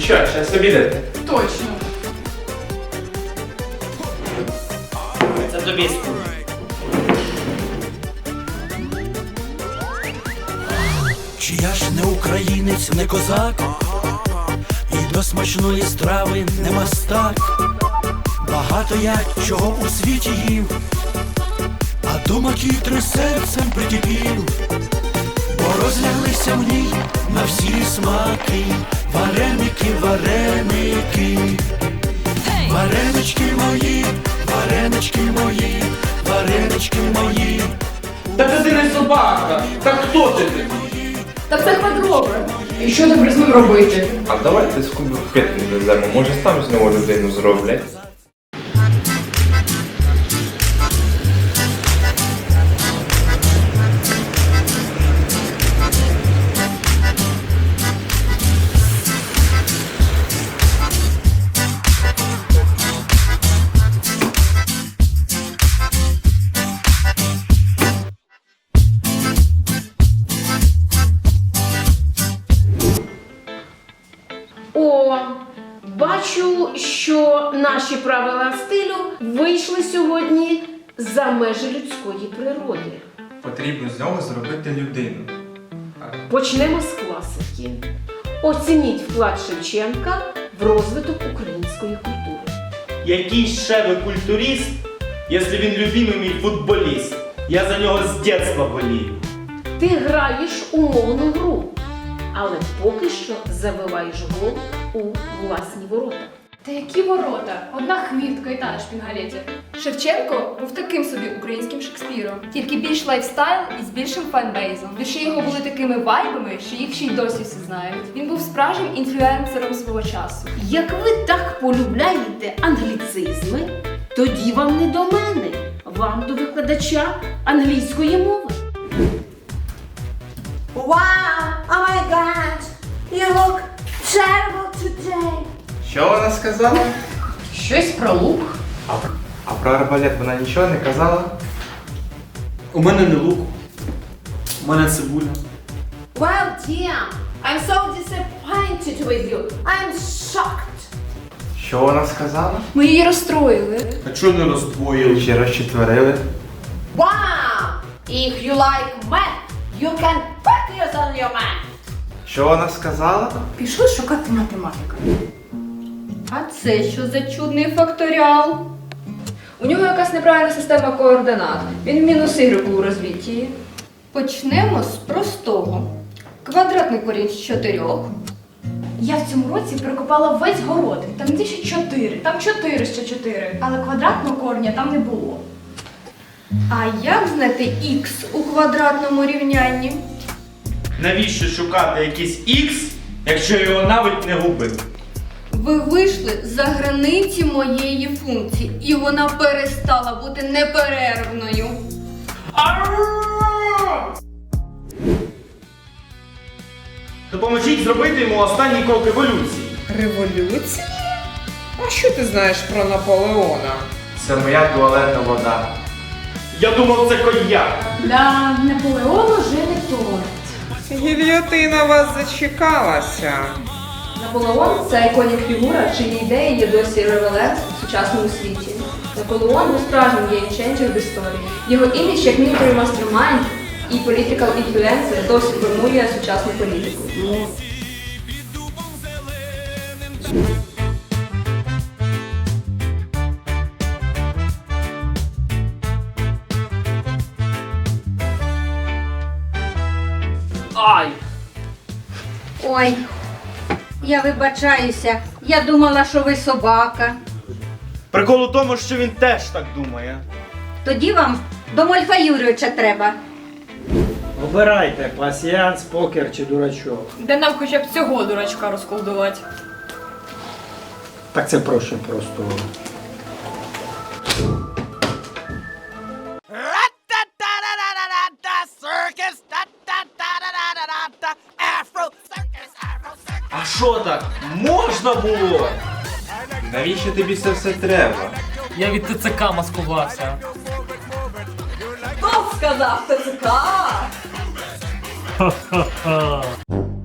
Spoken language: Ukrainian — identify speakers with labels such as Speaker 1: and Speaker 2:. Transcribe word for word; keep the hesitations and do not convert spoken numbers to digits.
Speaker 1: що, зараз обідати?
Speaker 2: Точно.
Speaker 1: Це тобі скуп.
Speaker 3: Чи я ж не українець, не козак, і до смачної страви не мастак. Багато я чого у світі їв, а до макітри серцем прикипів. Бо розляглися в ній на всі смаки вареники, вареники. Варенички мої, варенички мої, варенички мої.
Speaker 1: Так ти не собака! Так хто ти ти?
Speaker 2: Та це квадробер. І що тепер з ним робити?
Speaker 1: А давайте скубу в п'ятки веземо, може там з нього людину зроблять.
Speaker 4: О, бачу, що наші правила стилю вийшли сьогодні за межі людської природи.
Speaker 1: Потрібно з нього зробити людину.
Speaker 4: Почнемо з класики. Оцініть вклад Шевченка в розвиток української культури.
Speaker 5: Який ще ви культурист, якщо він любимий мій футболіст? Я за нього з дитинства болію.
Speaker 4: Ти граєш умовну гру, але поки що забиваєш гол у власні ворота.
Speaker 2: Та які ворота? Одна хвітка і та на шпінгалеті. Шевченко був таким собі українським Шекспіром. Тільки більш лайфстайл і з більшим фанбейзом. Вірші його були такими вайбами, що їх ще й досі всі знають. Він був справжнім інфлюенсером свого часу.
Speaker 4: Як ви так полюбляєте англіцизми, тоді вам не до мене, вам до викладача англійської мови.
Speaker 6: Wow! Oh my God! You look terrible today!
Speaker 1: Що вона сказала?
Speaker 2: Щось про лук.
Speaker 1: А, а про арбалет вона нічого не казала?
Speaker 5: У мене не лук, у мене цибуля.
Speaker 6: Well, dear, I'm so disappointed with you. I'm shocked.
Speaker 1: Що вона сказала?
Speaker 2: Ми її розстроїли.
Speaker 5: А чого не роздвоїли?
Speaker 1: Чи розчетверили?
Speaker 6: Wow! If you like math, you can focus on your math.
Speaker 1: Що вона сказала?
Speaker 2: Пішли шукати математика. А це що за чудний факторіал? У нього якась неправильна система координат. Він в мінус ігреку у розвитті. Почнемо з простого. Квадратний корінь з чотирьох. Я в цьому році прикопала весь город. Там не ще чотири, там чотири ще чотири. Але квадратного корня там не було. А як знайти х у квадратному рівнянні?
Speaker 5: Навіщо шукати якийсь ікс, якщо я його навіть не губив?
Speaker 2: Ви вийшли за границі моєї функції, і вона перестала бути неперервною.
Speaker 5: Допоможіть зробити йому останній крок еволюції.
Speaker 7: Революції? А що ти знаєш про Наполеона?
Speaker 1: Це моя туалетна вода.
Speaker 5: Я думав, це коньяк.
Speaker 2: Для Наполеону жили торт.
Speaker 7: Гільйотина вас зачекалася.
Speaker 2: Наполеон – це іконік фігура, чиї ідеї є досі ревелет в сучасному світі. Наполеон був справжнім геймченджер в історії. Його імідж як military mastermind і political influencer досі формує сучасну політику.
Speaker 1: Ай!
Speaker 8: Ой, я вибачаюся. Я думала, що ви собака.
Speaker 5: Прикол у тому, що він теж так думає.
Speaker 8: Тоді вам до Мольфа Юрійовича треба.
Speaker 9: Обирайте, пасіянс, покер чи дурачок.
Speaker 2: Де нам хоча б цього дурачка розколдувати?
Speaker 9: Так це проще просто.
Speaker 5: А що так? Можна було?
Speaker 1: Навіщо тобі це все треба?
Speaker 10: Я від ТЦК маскувався.
Speaker 6: Хто сказав ТЦК?
Speaker 10: Ха-ха-ха.